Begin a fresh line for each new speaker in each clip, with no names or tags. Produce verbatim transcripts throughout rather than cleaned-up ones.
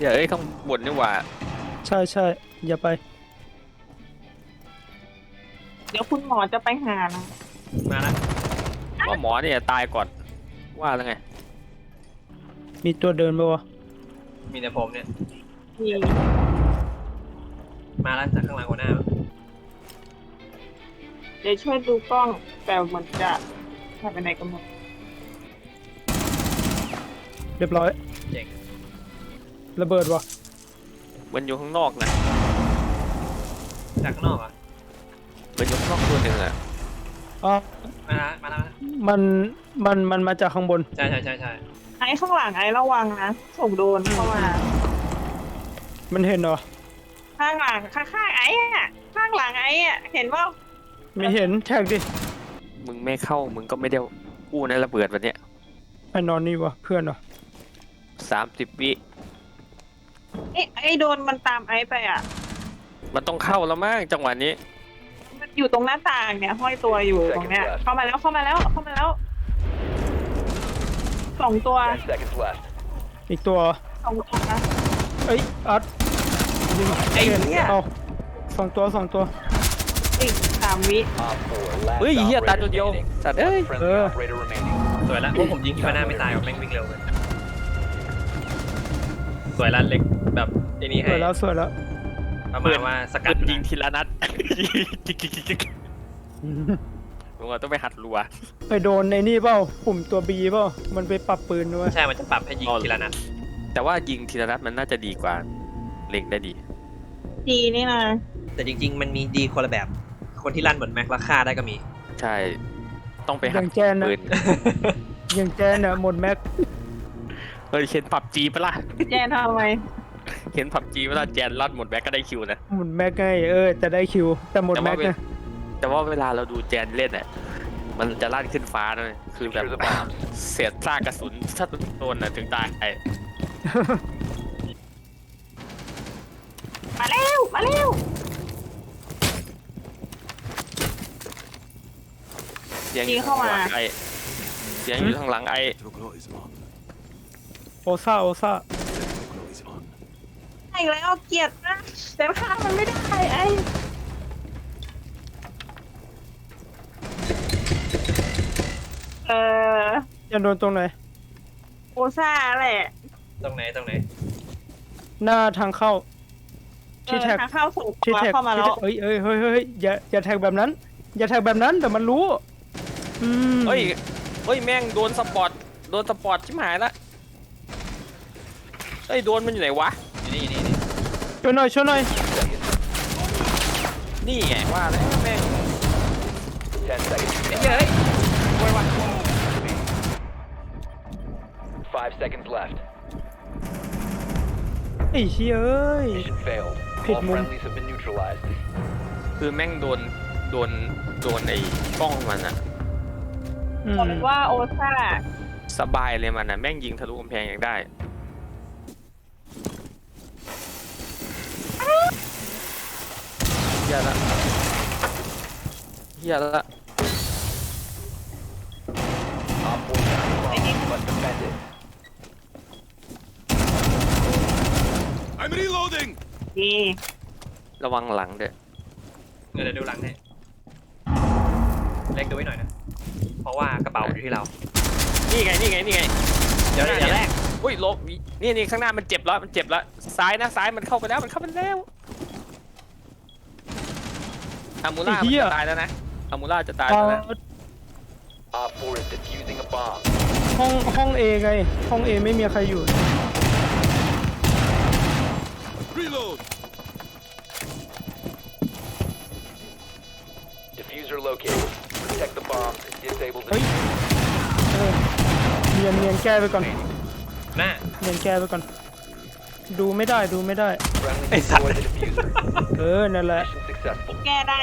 อย่าเอ้ยข้างบนนี่หว่า
ใช่ใช่อย่าไป
เดี๋ยวคุณหมอจะไปหานะ
มาแล้ว
ว่าหมอเนี่ยตายก่อนว่าแล้วไง
มีตัวเดินปะวะ
มีแต่ผมเนี่ย
มี
มาแล้วจากข้างหลังหัวหน้า
เดี๋ยวช่วยดูกล้องแต่เหมือนจะหายไปไหนกันหมด
เรียบร้อย
เจ๋ง
ระเบิดวะ
มันอยู่ข้างนอกนะ
จากข้างนอกอ่ะ
มันอยู่ข้างนอกตัวหนึ่งอะ
อ๋อ
มาแล้วมาแล้ว
มันมันมันมาจากข้างบน
ใช่ใช่ใช่ใช่
ไอ้ข้างหลังไอ้ระวังนะส่งโดนเข้ามา
มันเห็นเหรอ
ข้างหลังข้างๆไอ้อะข้างหลังไอ้อะเห็นว่า
ไม่เห็นแท็กดิ
มึงไม่เข้ามึงก็ไม่ได้กู้ในระเบิดวันเนี้ย
ไอ้นอนนี่วะเพื่อนเหรอ
สามสิบวิ
ไอ้ไอ้โดนมันตามไอ้ไปอ่ะ
มันต้องเข้าแล้วมั้งจังหวะนี้
มันอยู่ตรงหน้าต่างเนี่ยห้อยตัวอยู่ตรงเนี้ยเข้ามาแล้วเข้ามาแล้วเข้ามาแล้วสองตัว
Ten seconds left.
อีกตัว
สองตัวนะ
เอ้ยอัดยิง
ไอ้เนี่ย
เอาสองตัวสองตัว
อีกสามวิ
Op four. Last
เฮ้ยเฮียตาย
operator
ตัวเดียว
standing.
สัตว์เอ้ย
Friendly
Uh.
operator remaining.
สวยแล้วพวกผมยิงที่มาหน้าไม่ตายหรอกแม่งวิ่งเร็วเลยสวยแล้วเล็กแบบไอ้นี่
ส
ให้
วยแล้วสวยแล้ว
ประมาณว่าสกั
กั
ด
ดยิงทีละนัดจิกจิกจิกจิกมึงว่าต้องไปหัดรัว
ไปโดนในนี่เปล่าปุ่มตัวบีเปล่ามันไปปรับปืนด้วย
ใช่มันจะปรับให้ยิงทีละนัด
แต่ว่ายิงทีละนัดมันน่าจะดีกว่าเล็งได้ดี
จีนี่นะ
แต่จริง ๆ มันมีดีคนละแบบ คนที่ลั่นเหมือนแม็กราคาได้ก็มี
ใช่ ต้องไป
อ
หัด
ย่างแจนนะ
ปืน
อย่างแจนนะหมดแม็ก
เฮ้ยเห็นผับจีปะล่ะ
แจนทำไม
เห็นผับจีปะล่ะแจนลัดหมดแบ็กก็ได้คิวนะ
หมดแม็กไงเออแต่ได้คิวแต่หมด
แต่
แม็
ว่าก เวล
นะ
แต่ว่าเวลาเราดูแจนเล่นอ่ะมันจะลั่นขึ้นฟ้าเลยคือแบบ
Secure the bombs.
เศษซากกระสุนถ้าโดนน่ะถึงตายไอ้
มาเร็วมาเร็ว
เสียงอยู่ข้างหลังไอ้เสียงอยู่ข้างหลังไอ้
โอซ่าโอซ่า
อีกแล้วเกลียดนะแต่ฆ่ามันไม่ได้ไอ้เออ
จะโดนตรงไหน
โอซ่าแหละ
ตรงไหนตรงไหน
หน้าทางเข้า
เอ
ที่
อ
แท็ก
ทางเข้าส่ง
ที่
ตัว
แท็ก
เข้ามาแล้ว
ที่แท็กเอ้ยเอ้ยเฮ้ยเฮ้ยอย่าอย่าแท็กแบบนั้น อย่าแท็กแบบนั้นแต่มันรู้อืม
เฮ้ยเฮ้ยแม่งโดนสปอร์ตโดนสปอร์ตชิบหายละเฮ้ยโดนมันอยู่ไหนวะ
อยู่นี่อยู่นี่นี่
ช่วยหน่อยช่วยหน่อย
นี่ไงว่าแล้วแม่ง
Ten seconds.
เฮ้ยโวยวาย
Five seconds left.
ไอ้เชี่ยเอ้ย
Mission failed.
Hit
All
moon.
friendlies have been neutralized.
คือแม่งโดนโดนโดนไอ้กล้องมันอะ
อืม
บอกว่าโอซ่า
สบายเลยมันอะแม่งยิงทะลุกำแพงยังได้เฮียละเฮียละ
Op four found the bomb. Must defend it.
I'm reloading!
ดี
ระวังหลังเด้อ
เดี๋ยวเดี๋ยวดูหลังให้เล็กดูไว้หน่อยนะ เพราะว่ากระเป๋าอยู่ที่เรา
นี่ไงนี่ไงนี่ไง
เดี๋ยวอย่าแรก
อุ้ยลบนี่นี่ข้างหน้ามันเจ็บแล้วมันเจ็บแล้วซ้ายนะซ้ายมันเข้าไปแล้วมันเข้าไปแล้วอามูล่ามันจะตายแล้วนะอามูล่าจะตาย
เอา
แล้วนะ
Op four is defusing a bomb.
ห้องห้องเอไง ห้องเอไม่มีใครอยู่
Reload!
Diffuser located. Protect the bombs and disable the
เฮ้ยเออเนียนเนียนแก้ไปก่อน
หน้า
เนียนแก้ไปก่อน ดูไม่ได้ดูไม่ได้
friendly
Hey,
destroy
son.
the diffuser.
เออนั่นแหละ
Mission successful.
แก้ได้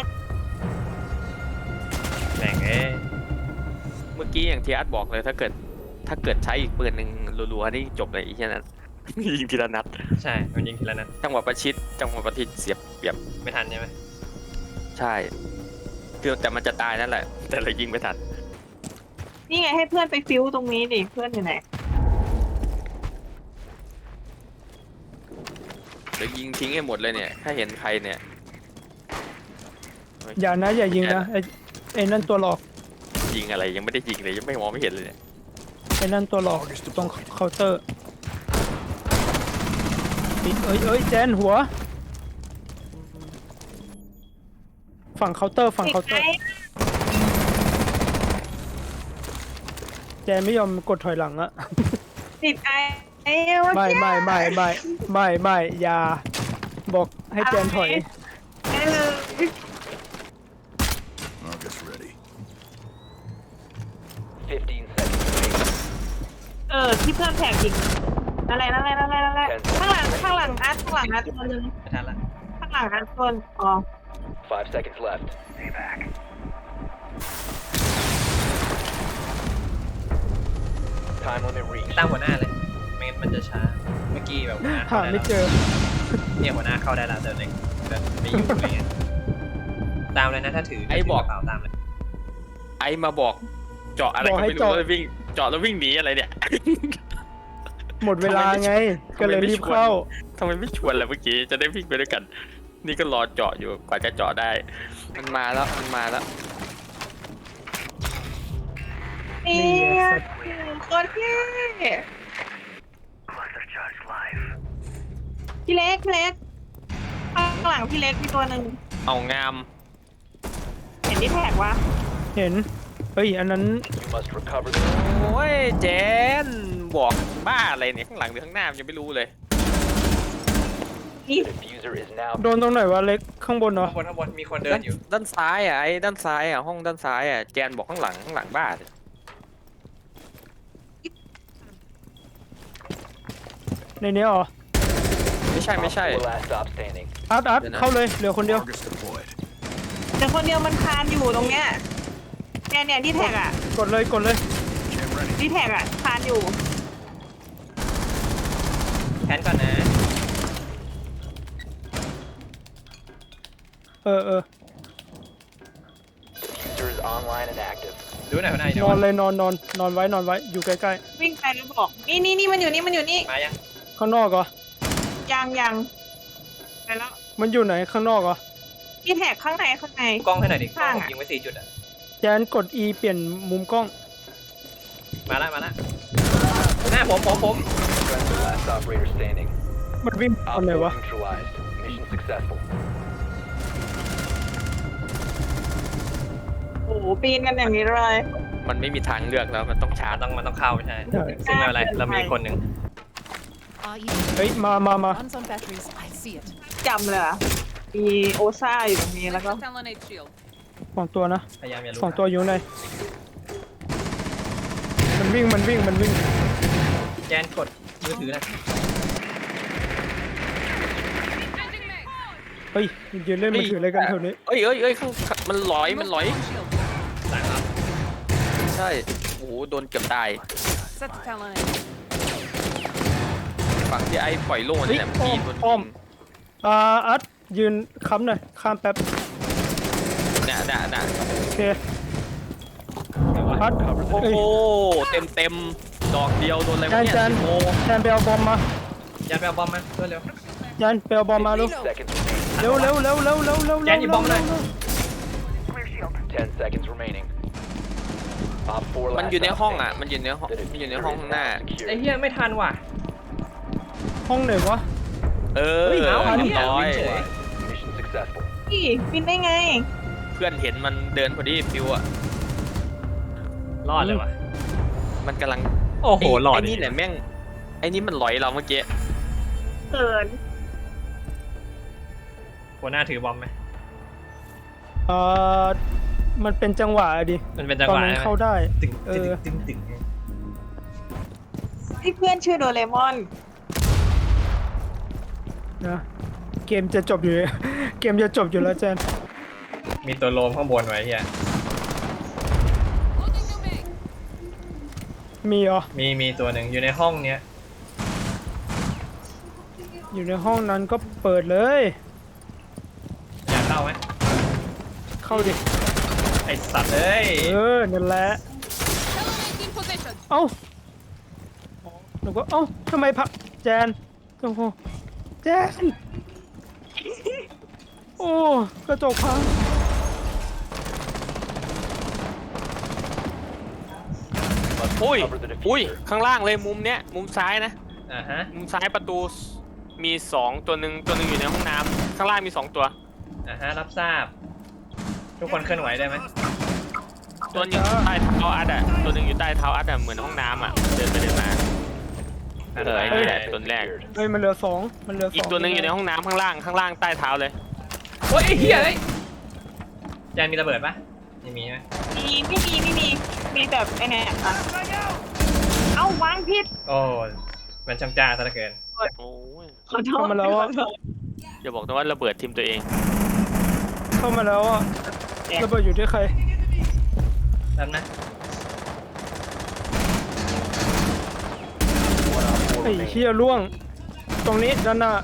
แหม่งเอ้ย
เมื่อกี้อย่างที่อาร์ตบอกเลยถ้าเกิดถ้าเกิดใช้อีกปืนหนึ่งรัวๆนี่จบเลยอีกแค่นั้น ยิงทีละนัด
ใช่มันยิงทีละนัด
จังหวะประชิดจังหวะประทิดเสียบเปรียบ
ไม่ทันใช่ไหม
ใช่คือแต่มันจะตายนั่นแหละ แต่เรายิงไม่ทัน
นี่ไงให้เพื่อนไปฟิวตรงนี้ดิเพื่อนอยู่ไหน
เดี๋ยวยิงทิ้งให้หมดเลยเนี่ย ถ้าเห็นใครเนี่ย
อย่านะอย่ายิงนะไอ้ไอ้นั่นตัวหลอก
ยิงอะไรยังไม่ได้ยิงเลยยังไม่มองไม่เห็นเลยเนี่ย
ไอ้นั่นตัวหลอกตรงเคาน์เตอร์ปิดเอ้ยเอ้ยแจนหัว ฝั่งเคาน์เตอร์ฝั่ง
ติด
เคาน์เตอ
ไอ้
ร์แจนไม่ยอมกดถอยหลังอะ
ติดไอ้ไอ้เมื่อ
ไม่
กี้
ไม่ไม่ไม่ไม่ไม่อย่าบอกให้แจนถอย
ไอ้เลย
August ready.
fifteen seconds remaining.
เออที่เพื่อนแท็กอีกอะไรนั่นอะไรนั่นอะไรนั่นอะไรข้างหลังข้างหลังอัดข้างหลังอัดตัวนึง
ไม่ทันละ
ข้างหลังอัดตัวอ๋อ
Five seconds left. Time limit reached.
ตั้งหัวหน้าเลยไม่งั้นมันจะช้าเมื่อกี้แบบหัวหน้า
หา
เข้าได้
ไม่
แล้ว
เจอ
เนี่ยหัวหน้าเข้าได้แล้วเดินเลยเดินไม่อยู่อะไรเงี้ยตามเลยนะถ้าถือ
ไอ้บอก
ถืระเป๋าตามเลย
ไอ้มาบอกเจาะอะไร
บอก
ก็
ให้
ไม่รู้
เจาะ
แล้ววิ่งเจาะแล้ววิ่งหนีอะไรเนี่ย
หมดเวลาไง
ทำ
ก็
ไม
เลย
ไม่
รีบ
ชวน
เข้า
ทำไมไม่ชวนล่ะเมื่อกี้จะได้วิ่งไปด้วยกัน นี่ก็รอเจาะอยู่กว่าจะเจาะได้ มันมาแล้วมันมาแล้ว
นี่โคตรเท่พี่เล็กพี่เล็กข้างหลังพี่เล็กมีตัวหนึ่ง
เอางาม
เห็นที่แท็กวะ
เห็นเฮ้ยอันนั้น
You must recover the
โอ้ยเจนบอกบ้าอะไรเนี่ยข้างหลังหรือข้างหน้ามันยังไม่รู้เลย
นี่
diffuser is now
โดนตรงไหนวะเล็กข้างบนเหรอ
ข้างบนข้างบนมีคนเดินอยู่
ด้านซ้ายอ่ะไอ้ด้านซ้ายอ่ะห้องด้านซ้ายอ่ะแจนบอกข้างหลังข้างหลังบ้าเลย
ในนี้เหรอ
ไม่ใช่ไม่ใช่
Op four last stop standing.
อาร์ตอาร์ต
เดี๋ยวนะ
เข้าเลยเหลือคนเดียว
August deployed.
แต่คนเดียวมันคานอยู่ตรงเนี้ยเนี่ยเนี่ยที่แท็กอ่ะ
กดเลยกดเลย
Cam ready.
ที่แท็กอ่ะคานอยู่
แคนก่อนนะ
เออเออ
Diffuser is online and active.
ดูหน่อยหัวหน้าอยู่
นอน
ไหน
เลยนอนนอนนอนไว้นอนไว้อยู่ใกล้
วิ่งไปแล้วบอกนี่นี่นี่มันอยู่นี่มันอยู่นี่
มายัง
ๆข้างนอกเหรอ
ยังยังไปแล้ว
มันอยู่ไหนข้างนอกเหรอ
ที่แท็กข้างในข้างใน
กล้องให้หน่อยดิ
ข้างอะ
ยิงไว้สี่จุดอ่ะ
แจนกด E เปลี่ยนมุมกล้อง
มาละมาละหน้าผมผมผม
Friendly last operator standing.
มันวิ่งต
Op
อนไหน
four
วะ
neutralized. Mission successful.
โอ้โหปีนกันอย่างนี้เลย
มันไม่มีทางเลือกแล้วมันต้องชา
มั
ร์จ
นต้องมันต้องเข้าไม่ใช่
ใช่
ซึ่งไม่เป็นไรเรามีคนหนึ่ง
Are you
เฮ้ยมามามา
runs on batteries? I see it.
จำเลยอะมีโอซ่าอยู่ตรงนี้แล้วก็
Talonade shield.
สองตัวนะ
พยายามอย่าลุก
สองตัวอยู่ไหนมันวิ่งมันวิ่งมันวิ่ง
แจนกดมือถือนะ
เฮ้ยยืนเล่นมือถืออะไรกันแถวนี้
เอ้ยเอ้ยเอ้ยข้างมันลอยมันลอย
Shield.
หลังครับ
ใช่โอ้โหโดนเกือบตาย
Set the Talonade.
ฝั่งที่ไอ้ปล่อยโล่นี่แหละ
เฮ้ย
มีตัว
อ้อม
ยิง
อ่าอัดยืนค้ำหน่อยข้ามแป๊บ
น่ะน่ะน่ะ
โอเค
เดี๋ยววะ
อัด
โอ้
เอ้ย
โหเต็มเต็มดอกเดียวโดนอะไร
จา
วะ
น
เนี่ย
จาน
โอ้
แจนไปเอาบอมมา
แจนไปเอาบอมมาเร็ว
จานไปเอาบอมมาเร็ว
Seconds remaining.
เร็วเร็วเร็วเร็วเร็วเร็ว
แจนหยิบบอมเลย
Ten seconds remaining. Op four
มัน
last
อยู่ใน
stop
ห้องอ่ะ
standing.
มันอยู่ในห้อง
The
มันอยู่ใน
diffuser
ห้อง
is
ข้างหน้า
now
ๆ
secure.
ไอ้เหี้ยไม่ทันว่ะ
ห้องไหนวะ
เออ
เฮ้ยเอา
เรียบ
เนี่ย
ร้อย
วิ่งเฉย
Mission successful.
พี่บินได้ไง
เพื่อนเห็นมันเดินพอดีฟิวอ่ะ
รอดเลยว่ะ
มันกำลัง
โอ้โหรอด
ไอ้นี่แหละแม่งไอ้นี่มันลอยเราเมื่อกี้
เกิน
หัวหน้าถือบอมไหม
เอ่อมันเป็นจังหวะดิ
มันเป็นจัง
ตอ
ห
น
วะ
นั้น
ใช่ไหม
เข้าได้
ตึง
เอ
ตึง
อ
ตึงตึง
ที่เพื่อนชื่อโดเรมอน
นะเกมจะจบอยู่ เกมจะจบอยู่แล้วแจน
มีตัวโลมข้างบนไว้เฮีย
Loading new mag.
มีเหรอ
มีมีตัวหนึ่งอยู่ในห้องเนี้ย
อยู่ในห้องนั้นก็เปิดเลย
อยากเข้าไหม
เข้าดิ
ไอสัตว์เอ้ย
เออนั่นแหละ
Talonade in position.
เอ้าหนูก็เอ้าทำไมพักแจนโอ้โหแจนโอ้กระจกพัง
อุ้ยอุ้ยข้างล่างเลยมุมเนี้ยมุมซ้ายนะ
อ่าฮะ
มุมซ้ายประตูมีสองตัวหนึ่งตัวหนึ่งอยู่ในห้องน้ำข้างล่างมีสองตัว
อ่าฮะรับทราบ ทุกคนเคลื่อนไหวได้ไหม
ตัวหนึงอยู่ใต้เท้าอัดอ่ะตัวหนึ่งอยู่ใต้เท้าอัดอ่ะเหมือนห้องน้ำอ่ะเดินไปเดินมาเออไอ้นี่แหละตัวแรก
เฮ้ยมันเหลือสองมันเหลือสอง
อีกตัวหนึ่งอยู่ในห้องน้ำข้างล่างข้างล่างใต้เท้าเลย
โอ้ยไอ้เหี้ยเอ้ยแจนมีระเบิดปะไม่มีไหม
มีไม่มีไม่มีมีแบบไอ้เนี่ยอ่ะเอ้าวางผิด
โอ้มันช่างจ้าซะเหลือเกิน
โอ้ย
ขอโทษ
เข้ามาแล้วอ่ะ
อย่าบอกนะว่าระเบิดทีมตัวเอง
เข้ามาแล้วอ่ะระเบิดอยู่ที่ใคร
นั่นนะ
ไอ้เชี่ยล่วง ตรงนี้ด้านหน้า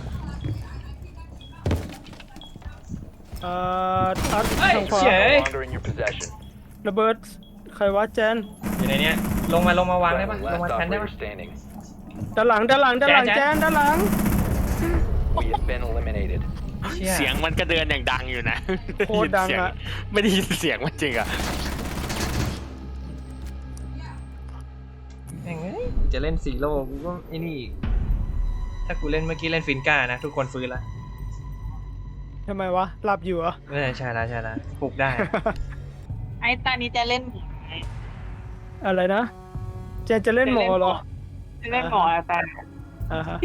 เอ่ออัด
เฮ้ย
ทางขวา
เฉย
No longer in your possession.
ระเบิดใครวะแจน
อยู่ในเนี้ยลงมาลงมาวางได้ปะ
Friendly
ลงมา
last
แทนได้
operator
ปะ
standing.
ด้านหลังด้านหลังด้านหลัง
แจ
แจ
น
นด้านหลัง
We have been eliminated.
เชี่ย
เสียงมันก็เดินอย่างดังอยู่นะ
โคตรดังอะ
ไม่ได้ยินเสียงมันจริงอ่ะ
แม่งเอ้ยจะเล่นซีโร่กูก็ไอ้นี่อีกถ้ากูเล่นเมื่อกี้เล่นฟินก้านะทุกคนฟื้นละ
ทำไมวะหลับอยู่เหรอ
เออใช่ละใช่ละปลุกได้
ไอ้ตานี้จะเล่นหมอ
อะไรนะแจนจะเล่นหมอเหรอ
จะเล่นหมอแต่
อ่าฮะ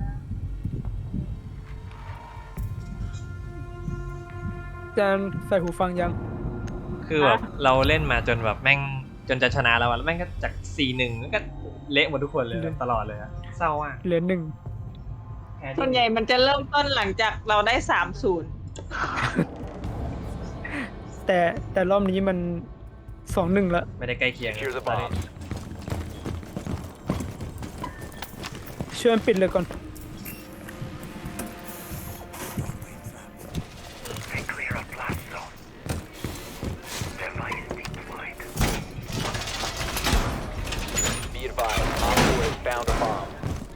แจนใส่หูฟังยัง
คือแบบเราเล่นมาจนแบบแม่งจนจะชนะแล้วอะแล้วแม่งก็จากสี่หนึ่งก็เละหมดทุกคนเลยตลอดเลยอะเศร้าอ่ะ
เหลือหนึ่ง
แพ้ที่
ส่วนใหญ่มันจะเริ่มต้นหลังจากเราได้สามศูนย์
แต่แต่รอบนี้มันสองหนึ่งละ
ไม่ได้ใกล้เคียง
Secure the
ตอนนี้
bombs.
ช่วยปิดเลยก่อน
Be advised, Op four has found a bomb.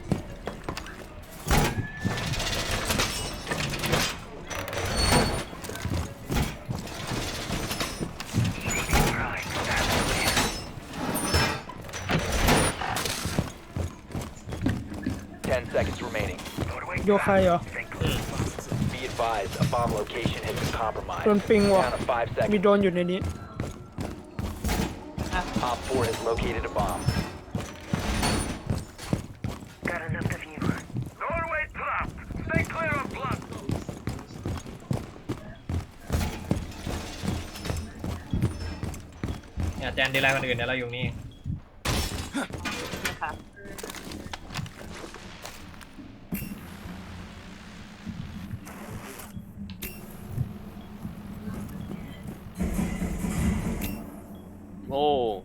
10 seconds remaining.
โยใครเหรอ
Be advised, a bomb location has been compromised.
โดนปิงว่ะ
Down to five
มี
seconds.
โดนอยู่ในนี้
Op four has located a bomb.
Doorway trapped. Stay clear of blood.
อย่าแจนดีไลน์คนอื่นเดี๋ยวเราอยู่นี่
นะคะ
โอ้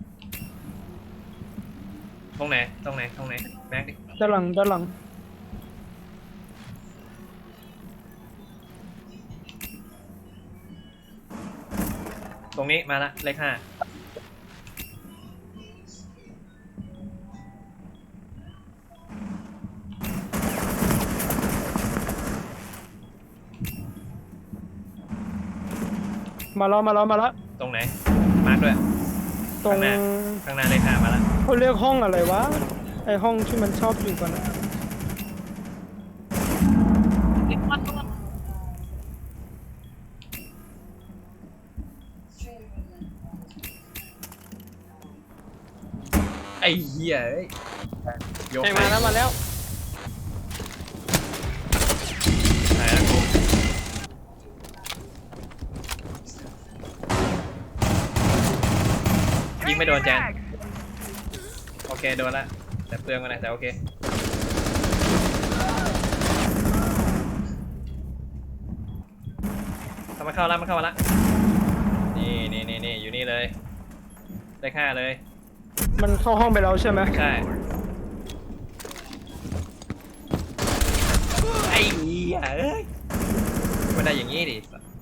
ตรงไหนตรงไหนตรงไหนแม็กดิ
ด้านหลังด้านหลัง
ตรงนี้มาละเลขห้า
มาแล้วมาแล้วมาแล้ว
ตรงไหนมาร์กด้วย
ตรง
ข้างหน้า ข้างหน้าเลขห้ามาละ
เขาเรียกห้องอะไรวะไอห้องที่มันชอบอยู่กันอะ
เล็กมันตัว
ไอ้เหี้ยเอ้ยโยก
ให้
ไป
มาแล้วมาแล้ว
ไหนละกูยิงไม่โดนแจนโอเคโดนละแต่เปลืองมาหน่อยแต่โอเคเข้ามาเข้าแล้วมาเข้ามาละนี่นี่นี่นี่อยู่นี่เลยเลขห้าเลย
มันเข้าห้องไปแล้วใช่ไหม
ใช่ไอ้เหี้ยเอ้ยมันได้อย่างงี้ดิ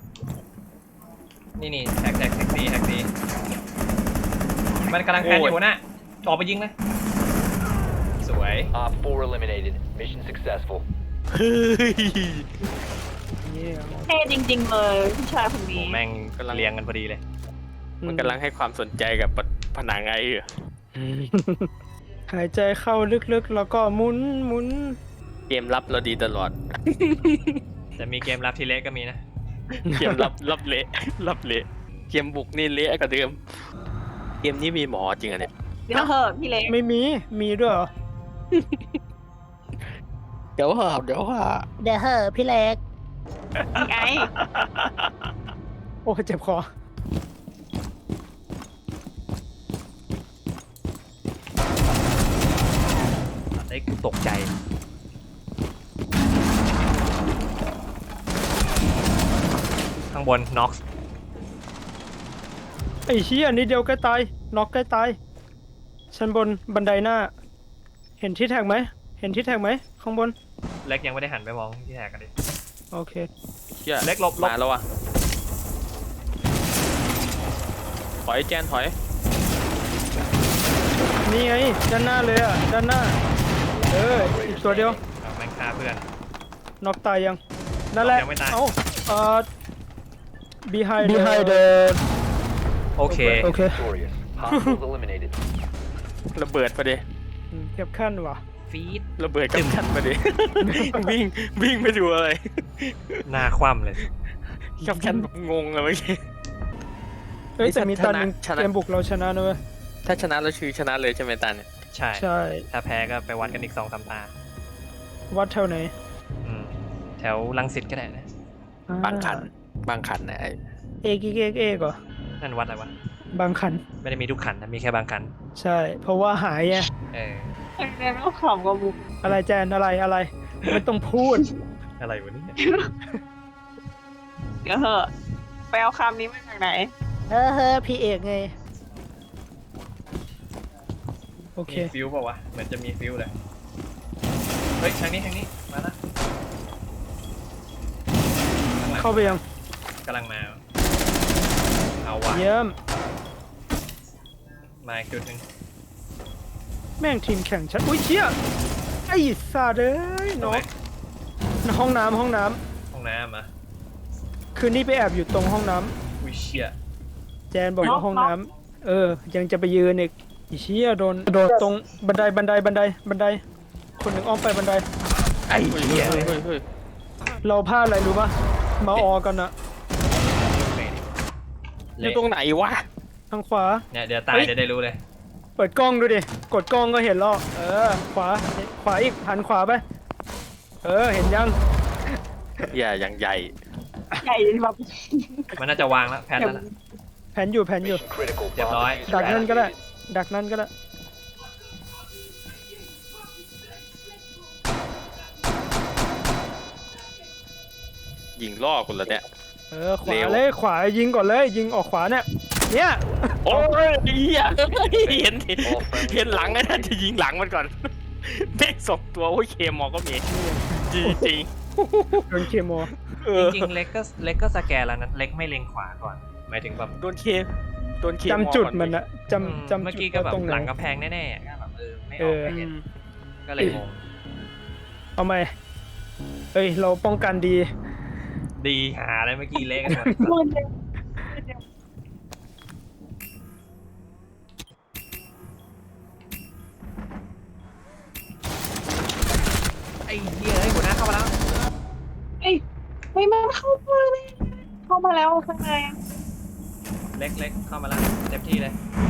นี่นี่แท็กแท็กแท็กซี่แท็กซี่มันกำลังแพนอยู่นะออกไปยิงเลยสวย
Op four eliminated. Mission successful.
เฮ้ย
นี่
เท่จริง ๆ เลยผู้ชายคน
โอ้
นี้
แม่งเรียงกันพอดีเลย
มันกำลังให้ความสนใจกับผนังไอ้อยู่
หายใจเข้าลึกๆ แล้วก็หมุนหมุน
เกมรับเราดีตลอด
แต่มีเกมรับที่เละก็มีนะ
เกมรับรับเละรับเละเกมบุกนี่เละกว่าเดิม เกมนี้มีหมอจริงอะเนี่ย
เดี๋ยวเหอะพี่เล็ก
ไม่มีมีด้วยเหรอ
เดี๋ยวหาเดี๋ยวหา
เดี๋ยวเหอะพี่เล็ก
ไง
โอ้เจ็บคอ
ไอ้กูตกใจ ข้างบนน็อก
ไอ้เชี่ยนิดเดียวใกล้ตายน็อกใกล้ตายชั้นบนบันไดหน้า เห็นที่แท็กไหมเห็นที่แท็กไหมข้างบน
เล็กยังไม่ได้หันไปมองที่แทกกันดิ
โอเค
เชี่ย
เล็กหลบหลบ
มาแล้วอ่ะถอยแจนถอย
นี่ไงด้านหน้าเลยอ่ะด้านหน้าเอออีกตัวเดียว
เอาแม่งฆ่าเพื่อน
น็อกตายยังนั่นแหละ
ยังไม่ตาย
เอ้าเอ่อ behind behind the
โอเค
โอเค
Victorious. Hostiles eliminated.
ระเบิดไปดิ
อืมเก็บขั้นว่ะ
ฟีด
ระเบิดกับขั้นไปดิ วิ่งวิ่งไปดูอะไร
หน้าคว่ำเลย
กับขั้นแบบงงเลยเมื่อกี้
เอ้ย
นี่
แต่มี
ชนะ
ตอนหนึง
ชนะ
เกมบุกเราชนะนะเว้ย
ถ้าชนะเราชื่อชนะเลยใช่ไหมตันเนี่ย
ใช่
ใช่
ถ้าแพ้ก็ไปวัดกันอีกสองสามตา
วัดแถวไหน
อืมแถวลังสิตก็ได้นะ
บางขันบางขันนะไอ้
เอกเอกเอกเหรอ
นั่นวัดอะไรวะ
บางขัน
ไม่ได้มีทุกขันนะ มีแค่บางขัน
ใช่ เพราะว่าหายไง
เออ
เรียนก็ขำกับบุก
อะไรแจนอะไรอะไรไม่ต้องพูด
อะไรวะเนี่ย
เดี๋ยวเหอะไปเอาคำนี้มาจากไหน
เออเฮ้อพี่เอกไง โอเค
มีฟิวเปล่าวะ เหมือนจะมีฟิวเลย เฮ้ย ทางนี้ทางนี้ มาละข้างหลัง
เข้าไปยัง
กำลังมา เอาว่ะ
เยี่ยม
มาอีกจุดหนึ่ง
แม่งทีมแข่งฉัน อุ้ยเชี่ยไอ้สาเด้ย
ตรง
เนาะ
ไหน
ห้องน้ำห้องน้
ห้องน้ำอ่ะ
ำคืนนี้ไปแอบอยู่ตรงห้องน้ำ
อุ้ยเชี่ย
แจนบอกว่าห้องน้ำเออ ยังจะไปยืนอีกไอีเชี่ยโดนโดนตรงบันไดบันไดบันไดบันได คนหนึ่งอ้อมไปบันได
ไอ้เหี้ยเฮ้ยเฮ้ยเฮ้ย
เราพลาดอะไรรู้ปะมาออกันอะ
อยู่ตรงไหนวะ
ทางขวา
เนี่ยเดี๋ยวตาย
เฮ้ย
เดี๋ยวได้รู้เลย
เปิดกล้องดูดิ กดกล้องก็เห็นแล้วเออ ขวา ขวาอีก หันขวาไป เออ เห็นยัง
อย่าอย่างใหญ่
ใหญ่แบบ
มันน่าจะวางแล้วแพนแล้วล่ะ
แผนอยู่แผนอยู่
Mission critical.
Yep,
Bomb
alright.
diffuser
ดักนั่นก็ได้
activated.
ดักนั่นก็ได้
ยิงล่อคนละเนี่ย
เออ ขวา
เร็ว
เลย ขวายิงก่อนเลย ยิงออกขวาเนี่ย เนี่ย
โอ้ยเหี้ยเห็นเห็นหลังไอ้นั่นจะยิงหลังมันก่อนแม่งสองตัวโอ้ยเคมอก็มีจริงจริง
โดนเคโม
ๆเออ
จริงๆเล็กก็เล็กก็สแกนแล้วนะเล็กไม่เล็งขวาก่อน หมายถึงแบบ
โดนเคโดนเคมอ
จำจุดมัน
ก่อ
อะ
อืม
จำจำ
เมื่อ
จุ
กี้
ด
ก็แบบ
ตรงไหน
หลังกำแพงแน่ๆก็แบบเออไม่อ
เอ
อก
อ
ไม่เห็นก็เลยงง
เอาไหมเอ้ย เราป้องกันดี
ดีหาอะไรเมื่อกี้เละกันหมด
มันยัง
ไอ้เหี้ยไอ้หัวหน้าเข้ามาแล้ว
เอ้ยไม่มาเข้ามาเลยเข้ามาแล้วข้างใน
เล็กเล็กเข้ามาแล้วเต็มที่เลย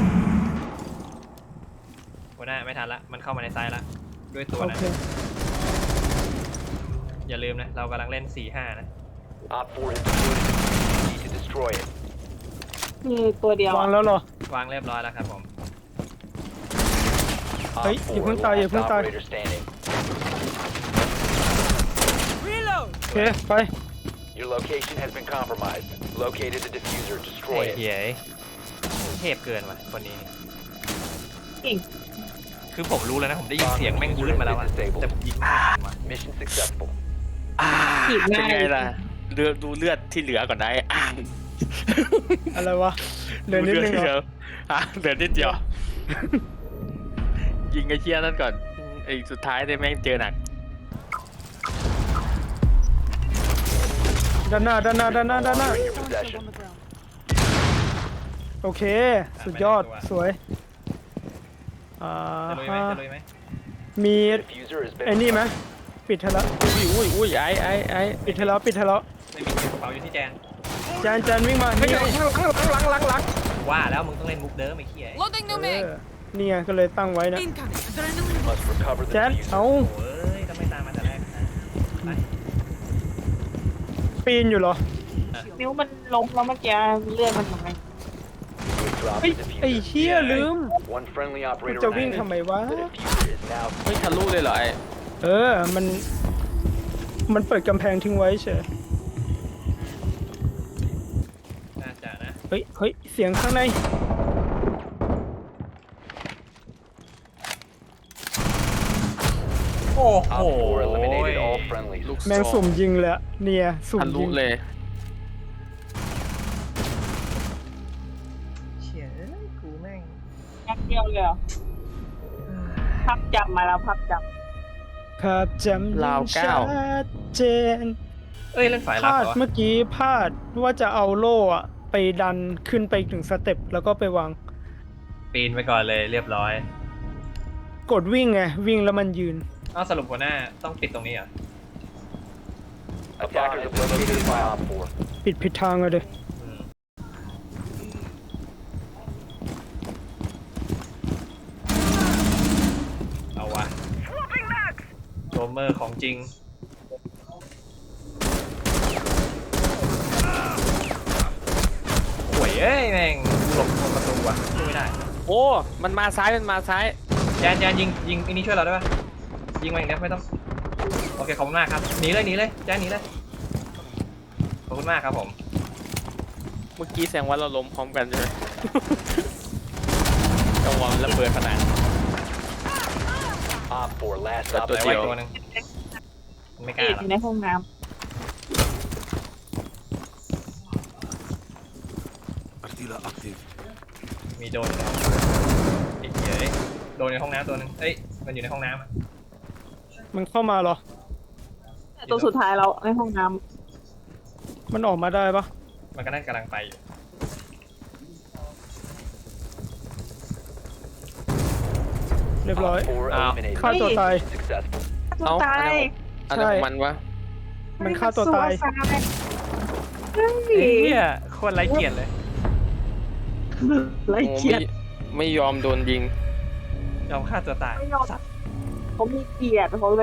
หัวหน้าไม่ทันละมันเข้ามาในไซส์ละด้วยตัว
โอ
นะ
เค
อย่าลืมนะเรากำลังเล่น สี่ห้า นะ
Op four has deployed a diffuser. Need to destroy it.
มีตัวเดียว
วางแล้วเหรอ
วางเรียบร้อยแล้วครับผม
Op
เฮ้ยอย่า
four,
เพิ่งตายอย่า
last
เพิ่งตาย
operator standing.
โอเค ไป
Your location has been compromised. Located the diffuser.
ไอ้
Destroy it.
เหี้ยเทพเกินว่ะคนนี้
จริง
คือผมรู้แล้วนะผมได้ยินเสียงแม่งวืดมาแล้วอะแต่ผมยิงไม่ทันว่ะ
Mission successful.
อ่า
ผิด
เป็น
ง่าย
ไงล่ะเลือดดูเลือดที่เหลือก่อนได้อ่า
อะไรวะเหลือนิดนึง
ที่
เห
เห
ร
ลื
อ
ออ่ะเหลือนิดเดียว ยิงไอ้เชี่ยนั่นก่อนไอ้สุดท้ายเนี่ยแม่งเจอหนัก
ด้านหน้าด้านหน้าด้านหน้าด้านหน้า
In your
Someone killed
possession.
on the ground.
โอเค สุดยอดสวยอ่า
จะลุยไหม
ฮะ
จะลุยไหม
มี
Diffuser has been
ไอ้นี่ไหมปิดให้แล้ว
อุ้ยอุ้ยอุ้ยไอ้ไอ้ไอ้
ปิดให้แล้วปิดให้แล้ว
ไม่มีกระเป๋าอยู่ที่แจน
จานจานวิ่งมา
ไม่
นี่
ใช่
ไง
หลังหลังหลังหลัง
ว่าแล้วมึงต้องเล่นมุกเดิมไอ้เหี้ย
Loading new
เอ
mag.
อนี่ไงก็เลยตั้งไว้นะ
Incoming. Adrenaline.
must recover the
แจน
diffuser.
เอา
โอ้ยทำไมตามมาแต่แรกนะไป
ปีนอยู่เหรอ
นิ้วมันล้มแล้วเมื่อกี้เลือดมันทำไม
You have dropped
เฮ้ย
the
ไอ้
diffuser.
เชี่ยลืม
One friendly
มัน
operator
จะวิ่ง
remaining.
ทำไมวะ
The diffuser is now
ไม่ทะลุเลยเหรอไอ้
เออ มัน มันเปิดกำแพงทิ้งไว้เฉย
น่าจะนะ
เฮ้ย เฮ้ย เสียงข้างใน
โอ้โห
Op four eliminated all friendlies.
ลูก
แมงสุ่มยิงเลยอะเนี่ยสุ่ม
ทะลุ
ยิง
เลย
เชี่ยเอ้ยกูแม่ง
แป๊บเดียวเลยเหรอภาพจำมาแล้วภาพจ
ครับจำ
ราวเก้า
ชัดเจน
เอ้ยเล่นฝ่าย
พ
รับ
ลาด
เหรอ
เมื่อกี้พลาดว่าจะเอาโล่อะไปดันขึ้นไปอีกหนึ่งสเต็ปแล้วก็ไปวาง
ปีนไปก่อนเลยเรียบร้อย
กดวิ่งไง วิ่งแล้วมันยืน
เอาสรุปหัวหน้าต้องปิดตรงนี้เหรอ
Attackers have been located by Op four.
ปิดผิดทางเลย
อืมเอาวะโจมเมอร์ของจริงโอ้ยเอ้ยแม่งหลบตรงประตูว่ะช่วยไม่ได้
โอ้มันมาซ้ายมันมาซ้าย
แจนแจนยิงยิงไอ้นี่ช่วยเราได้ปะยิงมาอย่างเดียวไม่ต้องโอเคขอบคุณมากครับหนีเลยหนีเลยแจนหนีเลยขอบคุณมากครับผม
เมื่อกี้แสดงว่าเราล้มพร้อมกันใช่ไหม จังหวะมันระเบิดขนาด
Op four last
แต่
op
ตัว
ไว้
เดียว
ตัวหนึงไม่
ำ
กล้า
เอ็ด
หร
อ
อก
ยู่ในห้องน้
มีโดนอยู่ในห้องไอ้เหี้ยเอ้ยโดนในห้องน้ำตัวหนึงเอ้ยมันอยู่ในห้องน้ำอะ
มันเข้ามาเหรอ
ำตัวสุดท้ายเราในห้องน้
มันออกมาได้ปะ
มันก็น่ากำลังไปอยู่
เรียบร้อย
Op four
Ah.
eliminated.
ฆ่าตัวตาย
Successful.
ำตัว
เอ้า
ตาย
อะไรของมันวะ
มันฆ่าตัวตาย
เฮ้ย
ไอ้เหี้ยโคนไร้เกียรติเลย
ไร
โอ้
เกีย
ไม่
รติ
ไม่ยอมโดนยิง
ยอมฆ่าตัวตาย
ไม่ยอมเขามีเกียรติเขาเลย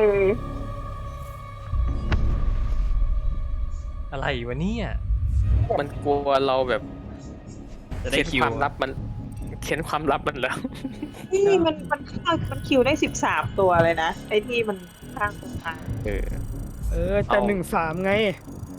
อะไรวะเนี่ย
มันกลัวเราแบบ
จะได้
เข็น
คิว
ความลับมันเข็นความลับมันแล้ว
นี่มันมันฆ่ามันคิวได้สิบสามตัวเลยนะ ไอ้ที่มันฆ่าคนตาย
เออ
เออแต่
เอา
หนึ่งสามไง